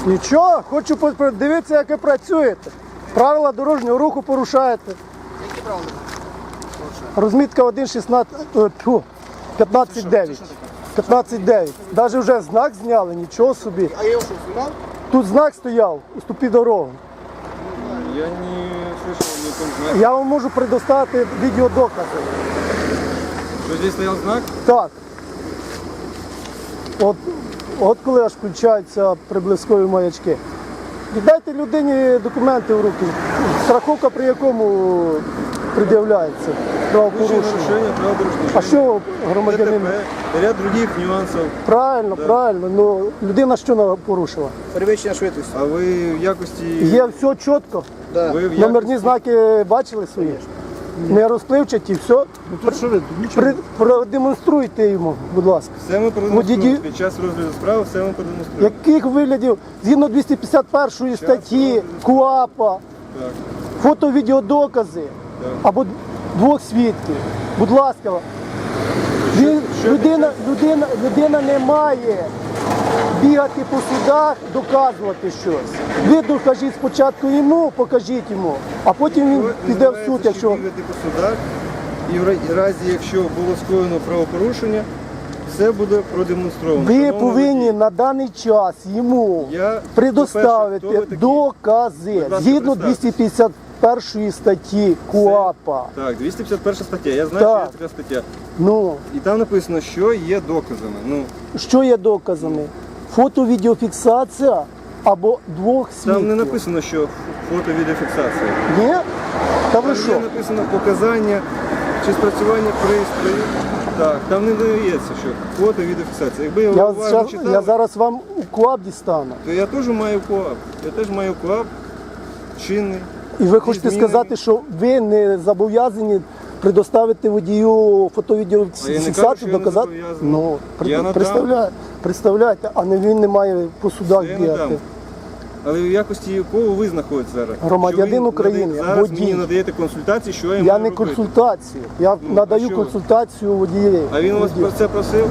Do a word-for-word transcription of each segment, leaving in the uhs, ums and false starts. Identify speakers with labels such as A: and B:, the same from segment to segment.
A: Нічого, хочу подивитися, як ви працюєте. Правила дорожнього руху порушаєте.
B: Які правила?
A: Розмітка один шістнадцять, п'ятнадцять дев'ять. п'ятнадцять дев'ять. Навіть вже знак зняли, нічого собі.
B: А я його що, знімав?
A: Тут знак стояв, уступи дорогу.
C: Я не слышал ни о том знаке.
A: Я вам можу предоставити відеодокази.
C: Что здесь стоял знак?
A: Так. От, от коли аж включаються приблизкові маячки. Віддайте людині документи в руки. Страховка при якому пред'являється? Правопорушення.
C: Нарушение правил дорожного
A: А що громадянин?
C: ДТП, ряд других нюансов.
A: Правильно, правильно. Ну, людина що на- порушила?
B: Перевищення швидкості.
C: А ви в якості...
A: Є все чітко.
B: Да.
C: Ви в якості...
A: Номерні знаки бачили свої? Не розпливчаті, все.
B: Ну тут що ви, тут нічого.
A: При, продемонструйте йому, будь ласка.
C: Все ми продемонструємо.
A: Водії-
C: Під час розгляду справи все ми продемонструємо.
A: Яких виглядів? Згідно двісті п'ятдесят першої статті КУАПа,
C: Так,
A: фото-відеодокази
C: так.
A: або двох свідків. Будь ласка, він,
C: що
A: людина, людина, людина не має бігати по судах, доказувати щось. Ви докажіть спочатку йому, покажіть йому, а потім він
C: Ви
A: піде в суд,
C: називаєте,
A: якщо...
C: що бігати по судах, і в ра- разі, якщо було скоєно правопорушення, все буде продемонстровано.
A: Ви
C: Шановний
A: повинні
C: водій,
A: на даний час йому
C: Я,
A: предоставити
C: по-перше, хто ви такі?
A: докази
C: Будь ласка,
A: згідно
C: представтесь.
A: двісті п'ятдесят першої статті КУАПа.
C: Так, двісті п'ятдесят перша стаття. Я знаю,
A: Так.
C: що є така стаття.
A: Ну,
C: І там написано, що є доказами. Ну,
A: що є доказами? Фото-відеофіксація або двох свідків.
C: там не написано, що фото-відеофіксація.
A: Ні? Та ви
C: Там
A: що?
C: є написано показання чи спрацювання пристрою. Так, там не дається, що фото-відеофіксація. Якби я,
A: Я,
C: уважно
A: щас-
C: читав,
A: я зараз вам у КУАП дістану.
C: то я теж маю КУАП. Я теж маю КУАП чинний.
A: І ви хочете
C: змінами.
A: сказати, що ви не зобов'язані предоставити водію
C: А я не кажу,
A: фото-відеофіксацію,
C: що я не
A: доказати?
C: зобов'язаний.
A: Ну, при-
C: Я надам.
A: представляє, представляйте, а не він не має по судах
C: Це я
A: бігати.
C: надам. Але в якості якого ви знаходитесь зараз?
A: Громадянин
C: Що ви
A: України,
C: надаєте- Зараз
A: водій.
C: мені надаєте консультації, що я,
A: Я
C: маю
A: не
C: робити.
A: консультацію, я
C: Ну, а
A: надаю
C: що ви?
A: консультацію водієві.
C: А він у вас про це просив?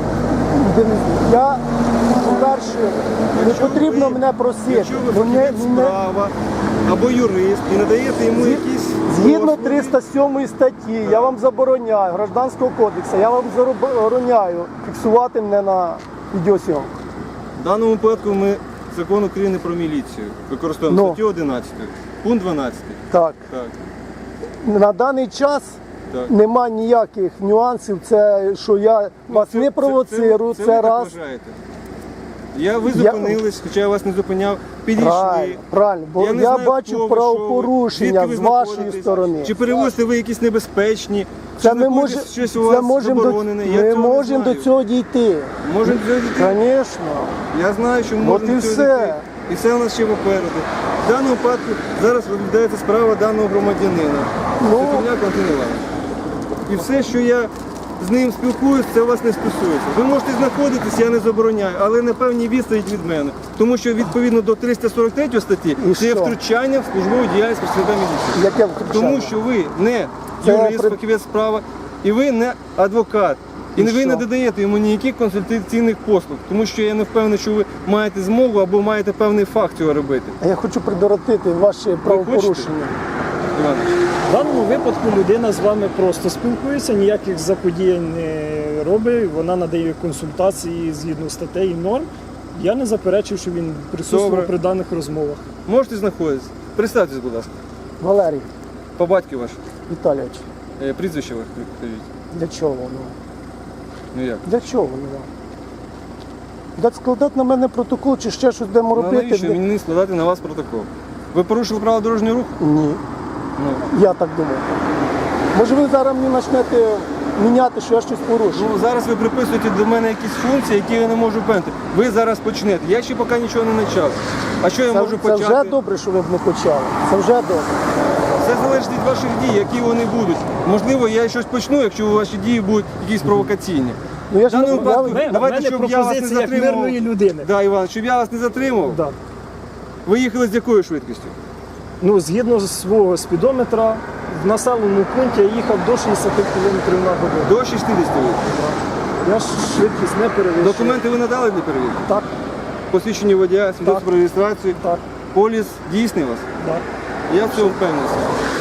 A: Я, по-перше, не
C: Якщо
A: потрібно
C: ви-
A: мене просити.
C: Якщо ви
A: Мене-
C: фахівець
A: мене-
C: справа або юрист і надаєте йому
A: Згі-
C: якісь
A: Згідно
C: послуги,
A: триста сьомої статті, я вам забороняю, Гражданського кодексу, я вам забороняю фіксувати мене на відеосйомку.
C: в даному випадку ми закон України про міліцію використовуємо
A: Ну.
C: статтю одинадцяту, пункт дванадцятий.
A: Так.
C: Так,
A: На даний час
C: так.
A: нема ніяких нюансів, це що я вас
C: Ну,
A: не провоцирую, це,
C: це, це ви так
A: раз.
C: вважаєте. Я, ви
A: Я-
C: зупинились, хоча я вас не зупиняв, підійшли.
A: Правильно, правильно, бо я,
C: не знаю,
A: бачу
C: хто ви,
A: правопорушення
C: що ви,
A: з
C: звідки ви
A: вашої
C: знаходитесь,
A: сторони.
C: Чи перевозите ви якісь небезпечні,
A: Це
C: чи
A: ми,
C: знаходитесь
A: може,
C: щось у
A: це
C: вас
A: можемо до,
C: заборонене. Я
A: ми
C: цього не
A: можемо до
C: знаю.
A: цього дійти.
C: Можемо до цього дійти.
A: Звісно.
C: Я знаю, що
A: От
C: можемо
A: і
C: до цього
A: все.
C: дійти. І все у нас ще попереду. В даному випадку зараз розглядається справа даного громадянина.
A: Ну.
C: Сокольняк Антон Іванович. І все, що я з ним спілкуюсь, це вас не стосується. Ви можете знаходитись, я не забороняю, але на певній відстані від мене. Тому що відповідно до триста сорок третьої статті
A: І
C: це є
A: що?
C: втручання в службову діяльність працівника міліції.
A: Яке втручання?
C: Тому що ви не
A: Це
C: юрист,
A: при-
C: фахівець справа, і ви не адвокат. І,
A: І
C: ви
A: що?
C: не додаєте йому ніяких консультаційних послуг, тому що я не впевнений, що ви маєте змогу або маєте певний факт цього робити.
A: А я хочу придоротити ваші правопорушення.
C: Іванович,
D: В даному випадку людина з вами просто спілкується, ніяких заподіянь не робить, вона надає консультації згідно статей і норм. Я не заперечив, що він присутствував
C: Добре.
D: при даних розмовах.
C: можете знаходитися? Представтесь, будь ласка.
A: Валерій
C: По батьки ваш.
A: Віталійович,
C: Е, Прізвище ваше скажіть.
A: для чого воно?
C: Ну як?
A: Для чого воно вам? Дати складати на мене протокол чи ще щось будемо
C: Ну,
A: робити?
C: навіщо мені складати на вас протокол? Ви порушили правила дорожнього руху?
A: Ні,
C: Ну,
A: я так думаю. Може ви зараз мені почнете міняти, що я щось порушив?
C: ну зараз ви приписуєте до мене якісь функції, які я не можу виконати. Ви зараз почнете. Я ще поки нічого не почав. А що я
A: Це,
C: можу
A: це
C: почати?
A: вже добре, що ви б не почали. Це вже добре.
C: Все залежить від ваших дій, які вони будуть. Можливо, я щось почну, якщо ваші дії будуть якісь провокаційні.
A: Ну я
C: В
A: ж
C: даному
A: не я-
C: випадку-
D: Ми-
C: Давайте,
D: в мене
C: щоб я вас не
D: пропозиція як
C: затримував.
D: мирної людини.
C: Да, Іван, щоб я вас не затримав.
D: Да.
C: Ви їхали з якою швидкістю?
D: Ну, згідно з свого спідометра, в населеному пункті я їхав до шістдесят кілометрів на годину.
C: До шістдесят.
D: Я ж швидкість не перевищую.
C: Документи ви надали для перевірки?
D: Так.
C: посвідчення водія, свідоцтво про реєстрацію.
D: Так,
C: Поліс дійсний у вас?
D: так.
C: Я в цьому впевнений.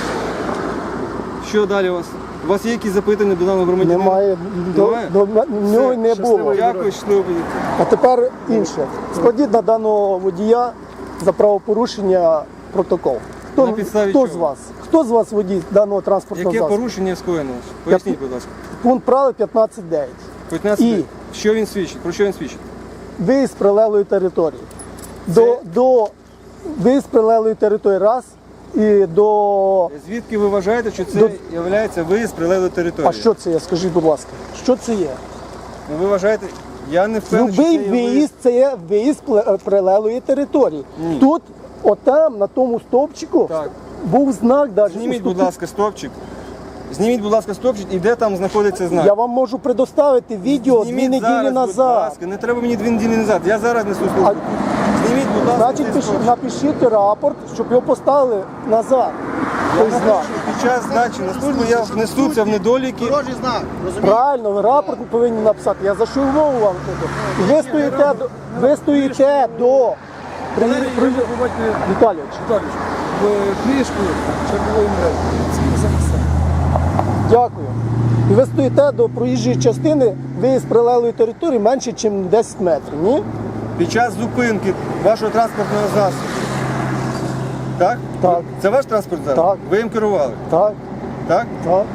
C: Що далі у вас? У вас є якісь запитання до даного громадянина?
A: Немає, до,
C: Немає?
A: до, в нього й не
D: щасливо.
A: було.
C: Дякую, щасливо. поїдете.
A: А тепер інше. Складіть на даного водія за правопорушення протокол. Хто,
C: На підставі
A: хто
C: чого?
A: з вас? Хто з вас водій даного транспортного
C: Яке
A: засобу?
C: порушення скоєно? Поясніть, будь ласка.
A: Пункт правил п'ятнадцять дев'ять.
C: п'ятнадцять.
A: І?
C: Що він свідчить? Про що він свідчить?
A: Виїзд з прилеглої території. До, до виїзд з прилеглої території раз і до.
C: Звідки ви вважаєте, що це
A: До-
C: є виїзд з прилеглої території?
A: А що це є? Скажіть, будь ласка, що це є?
C: Ну, ви вважаєте, я не впевнений,
A: Любий
C: що це є
A: виїзд це є виїзд з пле- прилеглої території.
C: Ні.
A: Тут, отам, на тому стовпчику,
C: Так.
A: був знак навіть.
C: Зніміть, будь ласка, стопчик. Зніміть, будь ласка, стопчик, і де там знаходиться знак.
A: Я вам можу предоставити відео дві
C: Зніміть
A: неділі
C: зараз, будь
A: назад.
C: ласка. Не треба мені дві неділі назад. Я зараз несу службу.
A: А-
C: Зніміть, будь ласка,
A: Значить,
C: цей
A: пиши-
C: стопчик.
A: напишіть рапорт, щоб його поставили назад. Той
C: Я
A: знак.
C: напишу, Під час здачі на службу я внесу це в недоліки.
B: Дорожній знак, розумієте?
A: Правильно, ви рапорт повинні написати. Я за що й мову вам кажу. І ви стоїте до, ви стоїте до при, при, Віталійович,
B: В книжку чергової мреži.
A: дякую. І ви стоїте до проїжджої частини, ви з прилеглої території менше, ніж десять метрів, ні?
C: Під час зупинки вашого транспортного засобу. Так?
A: Так.
C: Це ваш транспорт зараз?
A: Так.
C: Ви їм керували?
A: Так,
C: Так?
A: так.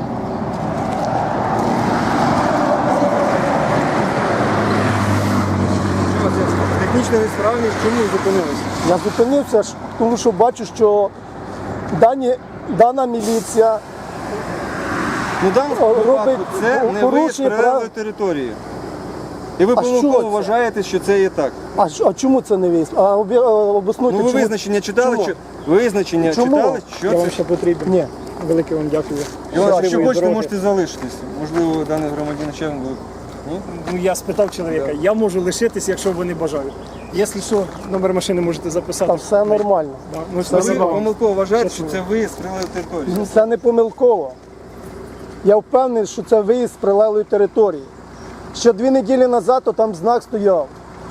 C: Що це? Технічна несправність, чому ви зупинилися?
A: Я зупинився, ж, тому що бачу, що дані, дана міліція
C: Ну, в даному
A: О,
C: випадку
A: робить
C: це не виїзд
A: порушення
C: прилеглої
A: прав.
C: території. І ви
A: А що
C: помилково
A: це?
C: вважаєте, що це є так.
A: А, що- а чому це не виїзд? А обі- обоснуйте,
C: Ну ви
A: чому?
C: визначення читали?
A: Чому?
C: Що... Визначення
A: Чому?
C: читали? Що
D: Я вам
C: це?
D: ще потрібен.
A: Ні.
D: Велике вам дякую.
C: Іван, якщо
D: Щасливої
C: хочете,
D: дороги.
C: можете залишитись. Можливо, даний громадянин ще вам буде. Ні?
D: Ну, я спитав чоловіка, я можу лишитись, якщо вони бажають. Якщо що, номер машини можете записати.
A: Та все нормально.
D: Да, ну,
C: Ви
D: спасибо вам.
C: помилково вважаєте, що
D: Щасливо.
C: це виїзд з прилеглої території.
A: Це не помилково. Я впевнений, що це виїзд з прилеглої території. Ще дві неділі назад то там знак стояв.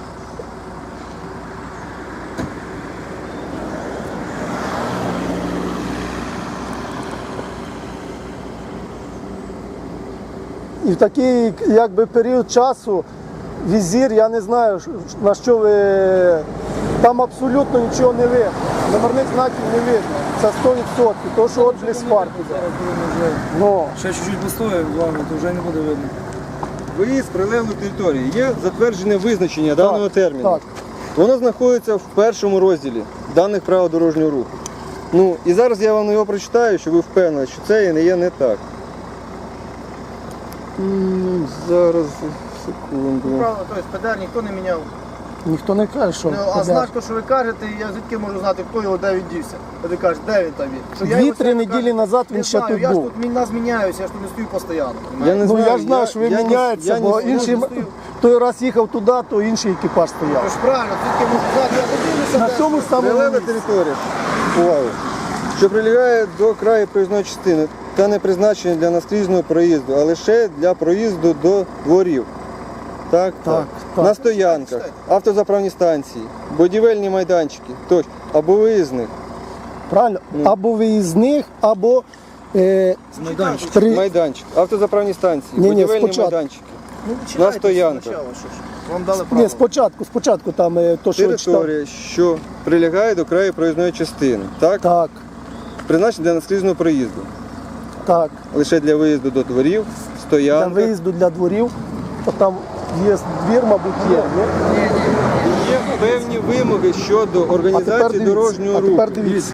A: І в такий якби, період часу візір, я не знаю, ш- на що ви. Там абсолютно нічого не видно. Номерних знаків не видно. Це сто відсотків. То, що от близь фар піде. Ну,
B: Ще чуть-чуть постоїв, главное, то вже не буде видно.
C: Виїзд з прилеглої території. Є затверджене визначення даного терміну.
A: так.
C: Воно знаходиться в першому розділі даних правил дорожнього руху. Ну і зараз я вам його прочитаю, щоб ви впевнені, що це не є не так. М, Зараз, секунду.
B: Правда, тобто ПДР ніхто не міняв.
A: Ніхто не каже, що.
B: Ну, а знак, то, що ви кажете, я звідки можу знати, хто його де він дівся. А ви кажете, де він там є? Що я його
A: Дві-три
B: сьогодні
A: неділі
B: кажу,
A: назад він
B: не
A: ще
B: знаю,
A: тут
B: я
A: був.
B: ж тут нас міняюся, я ж тут не стою постійно.
C: Я не
A: Ну
C: знаю,
A: я ж знаю, що ви
C: я не-
A: міняєтеся,
C: я
A: бо
C: не-
A: інший
B: я не
A: м-
B: стою.
A: той раз їхав туди, то інший екіпаж
B: Тож
A: стояв.
B: правильно, звідки можу знати, я подивлюся.
A: На
B: де
A: цьому
B: що.
A: самому
C: Прилегла
A: місці.
C: територія, увагу, що прилягає до краю проїзної частини та не призначена для наскрізного проїзду, а лише для проїзду до дворів. Так, так.
A: так.
C: На стоянках, автозаправні станції, будівельні майданчики, тощо, або виїзних
A: Правильно? Або виїзних, або е,
B: Майданчик.
A: при...
C: майданчик, автозаправні станції,
A: Ні-ні,
C: будівельні
A: спочатку.
C: майданчики,
B: Ну, ви читайте
C: на стоянках.
B: спочатку, що ж. Вам дали право.
A: Ні, спочатку, спочатку там е, то, що ви читали.
C: територія, що прилягає до краю проїзної частини, так,
A: Так,
C: призначена для наскрізного проїзду,
A: так.
C: лише для виїзду до дворів,
A: Для
C: стоянок.
A: виїзду для дворів, то там є двір, мабуть, є. Ні?
C: Є певні вимоги щодо
A: А тепер
C: організації
A: дивіться,
C: дорожнього
A: а
C: руху.
A: тепер дивіться.